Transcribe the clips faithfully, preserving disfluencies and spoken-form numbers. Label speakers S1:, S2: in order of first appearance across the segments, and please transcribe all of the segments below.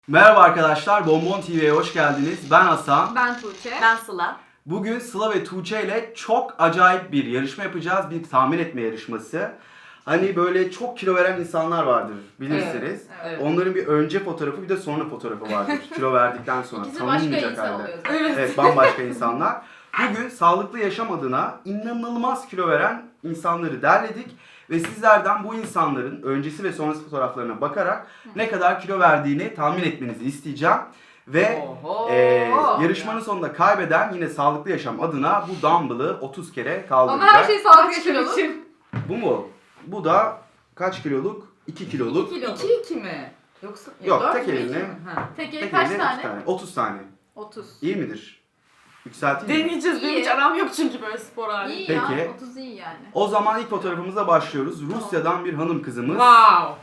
S1: Merhaba arkadaşlar, Bonbon T V'ye hoş geldiniz. Ben Hasan.
S2: Ben Tuğçe.
S3: Ben Sıla.
S1: Bugün Sıla ve Tuğçe ile çok acayip bir yarışma yapacağız. Bir tahmin etme yarışması. Hani böyle çok kilo veren insanlar vardır bilirsiniz.
S2: Evet, evet.
S1: Onların bir önce fotoğrafı bir de sonra fotoğrafı vardır. Kilo verdikten sonra.
S2: İkisi başka
S1: tanınmayacak
S2: insan
S1: halde.
S2: oluyor zaten.
S3: Evet.
S1: Evet, bambaşka insanlar. Bugün sağlıklı yaşam adına inanılmaz kilo veren insanları derledik. Ve sizlerden bu insanların öncesi ve sonrası fotoğraflarına bakarak ne kadar kilo verdiğini tahmin etmenizi isteyeceğim. Ve
S3: Oho.
S1: e, yarışmanın sonunda kaybeden yine sağlıklı yaşam adına bu dumbbell'ı otuz kere kaldıracak.
S2: Ama her şey sağlıklı
S3: Kaç kilo
S2: yaşam için.
S3: için?
S1: Bu mu? Bu da kaç kiloluk? iki kiloluk.
S2: iki kilo.
S3: iki iki mi? Yoksa
S1: Yok,
S3: dört
S1: tek
S3: mü, iki
S1: eline.
S3: mi? Ha.
S2: Tek eli
S1: Tek
S2: kaç
S1: eline
S2: tane?
S1: iki tane. otuz tane.
S2: otuz.
S1: İyi midir? Yükselteyim mi?
S3: Deneyeceğiz. Benim
S2: İyi.
S3: hiç aram yok çünkü böyle spor hali.
S2: İyi
S1: Peki.
S2: ya. otuz iyi yani.
S1: O zaman ilk fotoğrafımıza başlıyoruz. Rusya'dan bir hanım kızımız.
S3: Wow.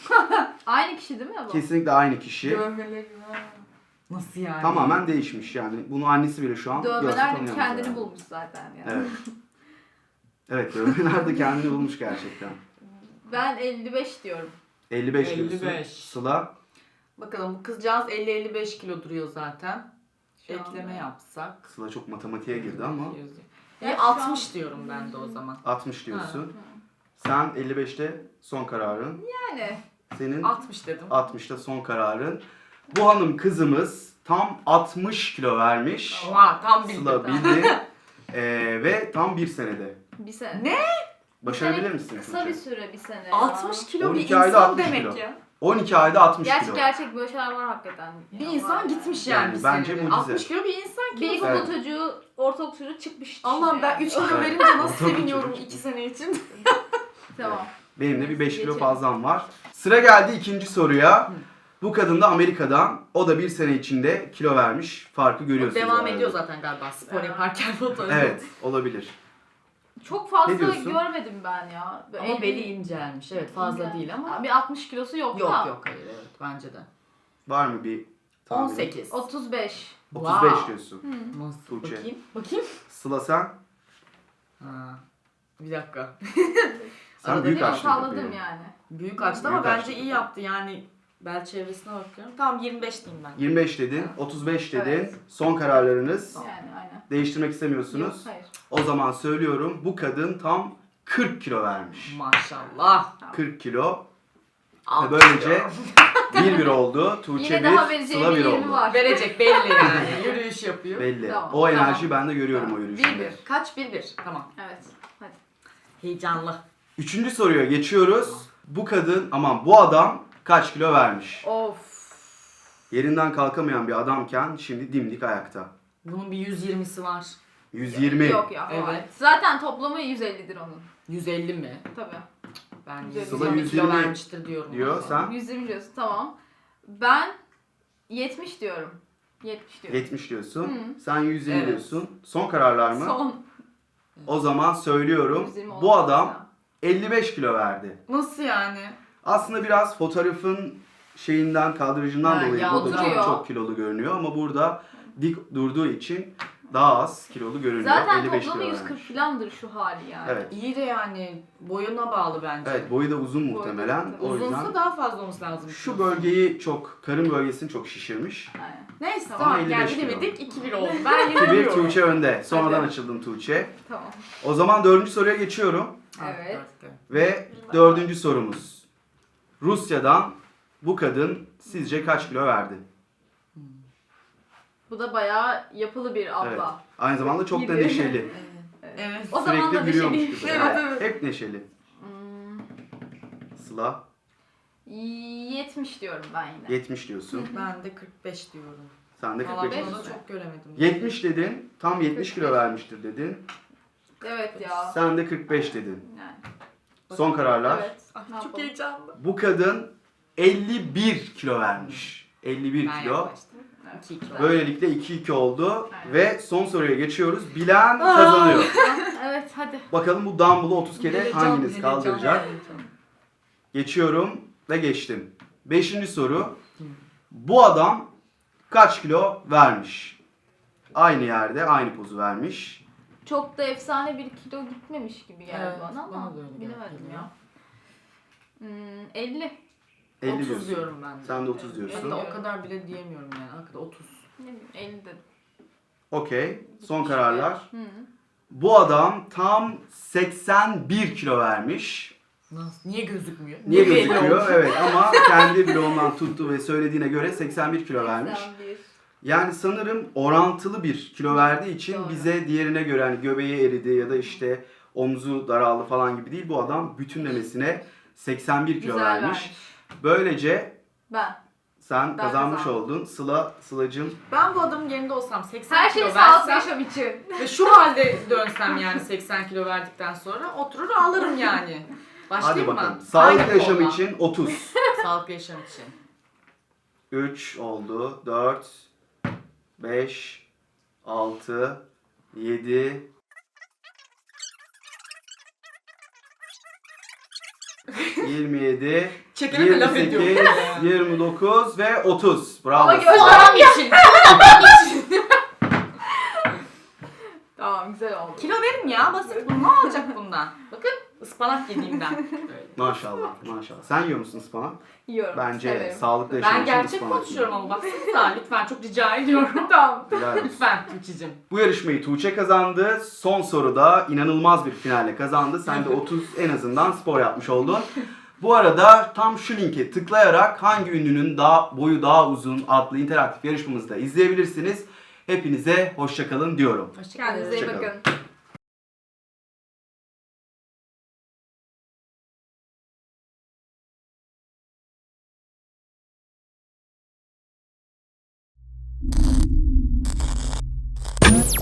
S2: Aynı kişi değil mi bu?
S1: Kesinlikle aynı kişi.
S3: Dövmeleri var. Nasıl yani?
S1: Tamamen değişmiş yani. Bunu annesi bile şu an görse
S2: Dövmeler de
S1: tanıyamaz
S2: kendini
S1: yani.
S2: bulmuş zaten yani.
S1: Evet. Evet, dövmeler de kendini bulmuş gerçekten.
S2: Ben elli beş diyorum.
S1: elli beş diyorsun.
S3: elli beş.
S1: Sıla
S3: Bakalım bu kızcağız elli elli beş kilo duruyor zaten.
S2: Şu
S3: Ekleme
S2: anda.
S3: yapsak.
S1: Sıla çok matematiğe girdi ama
S2: Ya
S3: İyi
S2: şu an-
S3: altmış diyorum ben de o zaman.
S1: altmış diyorsun. Sen elli beşte son kararın.
S2: Yani.
S1: Senin
S3: altmış dedim.
S1: altmışta son kararın. Bu hanım kızımız tam altmış kilo vermiş.
S3: Oha tam bildim.
S1: Sıla bildi. Ee, ve tam bir senede.
S2: Bir sene.
S3: Ne?
S1: Başarabilir
S2: Bir sene
S1: misin?
S2: Kısa
S1: Tuğçe?
S2: bir süre bir sene ya.
S3: altmış kilo bir
S1: on iki ayda
S3: insan
S1: altmış
S3: demek
S1: kilo.
S3: ya.
S1: on iki ayda altmış
S2: Gerçek
S1: kilo.
S2: gerçek böyle şeyler var hakikaten.
S3: Bir
S2: Ya,
S3: insan
S2: var
S3: gitmiş
S1: Yani
S3: yani, bir
S1: bence
S3: senede.
S1: mucize.
S3: altmış kilo bir insan ki.
S2: Bir
S3: o
S2: ilkokul
S3: zaman.
S2: çocuğu, ortaokul çocuğu çıkmış.
S3: Allah'ım ben üç kilo
S2: yani.
S3: verince nasıl
S1: Ortaokul
S3: seviniyorum
S1: çocuk.
S3: iki sene için.
S2: Tamam.
S1: Benim de bir beş kilo
S2: Geçelim.
S1: fazlam var. Sıra geldi ikinci soruya. Bu kadın da Amerika'dan. O da bir sene içinde kilo vermiş. Farkı görüyorsunuz.
S3: Devam
S1: herhalde.
S3: ediyor zaten galiba spor
S2: Evet.
S3: yaparken fotoğrafı.
S1: Evet, olabilir.
S2: Çok
S1: Ne
S2: fazla
S1: diyorsun?
S2: görmedim ben ya. Böyle
S3: Ama
S2: elli-
S3: beli incelmiş. Evet fazla
S2: Yani.
S3: değil ama.
S2: Bir altmış kilosu yok,
S3: Yok
S2: da.
S3: yok hayır evet bence de.
S1: Var mı bir tahmin?
S3: on sekiz.
S2: otuz beş.
S1: otuz beş
S3: Wow.
S1: diyorsun.
S3: Nasıl?
S1: Tuğçe.
S3: Bakayım. Bakayım.
S1: Sıla sen?
S3: Ha. Bir dakika.
S1: Sen
S3: Arada
S1: büyük
S3: değil mi?
S1: açtın
S2: Salladım
S1: kapıyı.
S2: yani.
S3: Büyük açtı ama
S1: Büyük
S3: bence
S1: açtı.
S3: iyi yaptı yani. Bel çevresine bakıyorum. Tamam yirmi beş diyeyim ben.
S1: yirmi beş dedin, otuz beş dedin.
S2: Evet.
S1: Son kararlarınız.
S2: Yani aynen.
S1: Değiştirmek
S2: Yok,
S1: istemiyorsunuz.
S2: hayır.
S1: O zaman söylüyorum, bu kadın tam kırk kilo vermiş.
S3: Maşallah.
S1: kırk kilo. Ve
S3: Altı
S1: böylece
S3: kilo.
S1: bir bir oldu. Tuğçe
S2: Yine daha
S1: bir,
S2: vereceği
S1: Sıla
S2: bir
S1: bir
S2: yirmi
S1: oldu.
S2: var.
S3: Verecek belli yani. Yürüyüş yapıyor.
S1: Belli.
S2: Tamam,
S1: O
S2: tamam.
S1: enerjiyi ben de görüyorum o
S3: Bir
S1: yürüyüşünde.
S3: bir. Kaç bir bir? Tamam.
S2: Evet. Hadi.
S3: Heyecanlı.
S1: Üçüncü soruya geçiyoruz. Bu kadın, aman bu adam kaç kilo vermiş?
S2: Of.
S1: Yerinden kalkamayan bir adamken şimdi dimdik ayakta.
S3: Bunun bir yüz yirmisi var.
S1: yüz yirmi.
S2: Yok ya.
S3: Evet.
S2: Evet. Zaten toplamı yüz ellidir onun.
S3: yüz elli mi?
S2: Tabii.
S3: Ben
S2: Sıla
S3: yüz yirmi
S1: yüz
S3: kilo
S1: yirmi
S3: vermiştir diyorum.
S1: diyor. Sen?
S2: yüz yirmi diyorsun, tamam. Ben yetmiş diyorum. yetmiş diyorum.
S1: yetmiş diyorsun.
S2: Hı.
S1: Sen yüz yirmi
S3: Evet.
S1: diyorsun. Son kararlar mı?
S2: Son.
S1: O zaman söylüyorum.
S2: yüz yirmi
S1: Bu
S2: olmaz
S1: adam
S2: ya.
S1: elli beş kilo verdi.
S3: Nasıl yani?
S1: Aslında biraz fotoğrafın şeyinden, kadrajından
S3: Ha,
S1: dolayı
S3: ya,
S1: bu da çok,
S2: duruyor.
S1: çok kilolu görünüyor ama burada dik durduğu için daha az kilolu görünüyor.
S2: Zaten
S1: elli beş
S2: toplamı
S1: kilo
S2: yüz kırk
S1: vermiş.
S2: filandır şu hali yani.
S1: Evet.
S3: İyi de yani boyuna bağlı bence.
S1: Evet, boyu da uzun
S2: Boyu da
S1: muhtemelen.
S2: uzun.
S1: O
S3: Uzunsa
S1: yüzden
S3: daha fazla olması lazım.
S1: şu bölgeyi çok, karın bölgesini çok şişirmiş.
S2: Aynen.
S3: Neyse
S1: Ama
S3: tamam
S1: elli beş
S3: yani
S1: kilo.
S3: bilemedik iki bir oldu. Ben
S1: iki bir
S3: yeniliyorum.
S1: Tuğçe önde. Sonradan
S3: Hadi.
S1: açıldın Tuğçe.
S2: Tamam.
S1: O zaman dördüncü soruya geçiyorum.
S2: Evet.
S1: Ve dördüncü sorumuz. Rusya'dan bu kadın sizce kaç kilo verdi?
S2: Bu da bayağı yapılı bir abla.
S1: Evet. Aynı zamanda çok da
S2: Gibi.
S1: neşeli.
S3: Evet.
S2: O zaman da
S1: Sürekli gülüyormuş
S2: neşeliyim.
S1: gibi.
S3: Evet, evet.
S1: Hep neşeli.
S2: Hmm,
S1: Sıla
S2: yetmiş diyorum ben yine.
S1: yetmiş diyorsun.
S3: Ben de kırk beş diyorum.
S1: Sen de
S3: Valla
S1: kırk beş
S3: bunu da
S1: diyorsun.
S3: çok göremedim.
S1: yetmiş dedin. Tam yetmiş kilo vermiştir dedin.
S2: Evet ya.
S1: Sen de kırk beş dedin.
S2: Yani.
S1: Son kararlar.
S2: Evet.
S3: Ay,
S2: Ne
S3: çok
S2: yapalım?
S3: heyecanlı.
S1: Bu kadın elli bir kilo vermiş. elli bir
S3: Ben
S1: kilo.
S3: yaklaştım.
S2: Evet.
S3: iki iki.
S1: Böylelikle iki iki oldu.
S2: Aynen.
S1: Ve son soruya geçiyoruz. Bilen kazanıyor.
S2: Evet hadi.
S1: Bakalım bu dumbbell'ı otuz kere
S3: Heyecan,
S1: hanginiz
S3: heyecan,
S1: kaldıracak?
S3: heyecan.
S1: Geçiyorum ve geçtim. Beşinci soru. Bu adam kaç kilo vermiş? Aynı yerde aynı pozu vermiş.
S2: Çok da efsane bir kilo gitmemiş gibi geldi
S3: Evet,
S2: bana
S3: bana
S2: ama
S3: da öyle geldi
S2: bilemedim
S3: ya.
S2: ya. Hmm, elli.
S1: elli
S3: otuz
S1: diyorsun.
S3: diyorum ben de.
S1: Sen de otuz diyorsun.
S3: Hatta o kadar bile diyemiyorum yani. Hakikaten otuz.
S2: Ne bileyim elli dedim.
S1: Okey. Son kararlar.
S2: Hı.
S1: Bu adam tam seksen bir kilo vermiş.
S3: Nasıl? Niye gözükmüyor?
S1: Niye
S3: belli
S1: gözüküyor?
S3: oldu?
S1: Evet ama kendi bloğundan tuttu ve söylediğine göre seksen bir kilo vermiş.
S2: seksen bir.
S1: Yani sanırım orantılı bir kilo verdiği için
S2: Doğru.
S1: bize diğerine göre hani göbeği eridi ya da işte omzu daraldı falan gibi değil. Bu adam bütünlemesine seksen bir kilo
S2: Güzel
S1: vermiş.
S2: vermiş.
S1: Böylece
S2: Ben.
S1: sen
S2: Ben
S1: kazanmış
S2: kazandım.
S1: oldun. Sıla, Sıla'cığım
S3: Ben bu adamın yerinde olsam seksen
S2: Her şey
S3: kilo
S2: sağlıklı
S3: versem
S2: yaşam için.
S3: ve şu halde dönsem yani seksen kilo verdikten sonra oturur ağlarım yani.
S1: hadi
S3: Başlayayım mı?
S1: bakalım. Sağlıklı
S3: Aynı
S1: yaşam
S3: konuda.
S1: için otuz.
S3: Sağlıklı yaşam için.
S1: üç oldu. dört, beş, altı, yedi, yirmi yedi,
S3: Çekene de laf
S1: yirmi sekiz,
S3: ediyorum.
S1: yirmi dokuz ve otuz. Bravo.
S2: Ama
S3: Bu
S2: göz-
S3: adam için. Bu adam için.
S2: Tamam güzel oldu.
S3: Kilo verin ya basit bu. Ne olacak bundan? Bakın ıspanak yediğimden. Böyle.
S1: Maşallah, maşallah. Sen yiyor musun ıspanak?
S2: Yiyorum.
S1: Bence
S2: severim.
S1: sağlıklı yaşam
S3: Ben
S1: için
S3: gerçek
S1: ıspanak
S3: konuşuyorum
S1: yiyorum.
S3: ama baksanıza lütfen çok rica ediyorum.
S2: Tamam.
S1: Helal olsun.
S3: Lütfen Tuğçe'cim.
S1: Bu yarışmayı Tuğçe kazandı. Son soruda inanılmaz bir finalle kazandı. Sen de otuz en azından spor yapmış oldun. Bu arada tam şu linke tıklayarak hangi ünlünün daha boyu daha uzun adlı interaktif yarışmamızı da izleyebilirsiniz. Hepinize hoşça kalın diyorum.
S3: Hoşçakalın.
S2: Kendinize iyi
S1: Hoşça kalın.
S2: bakın.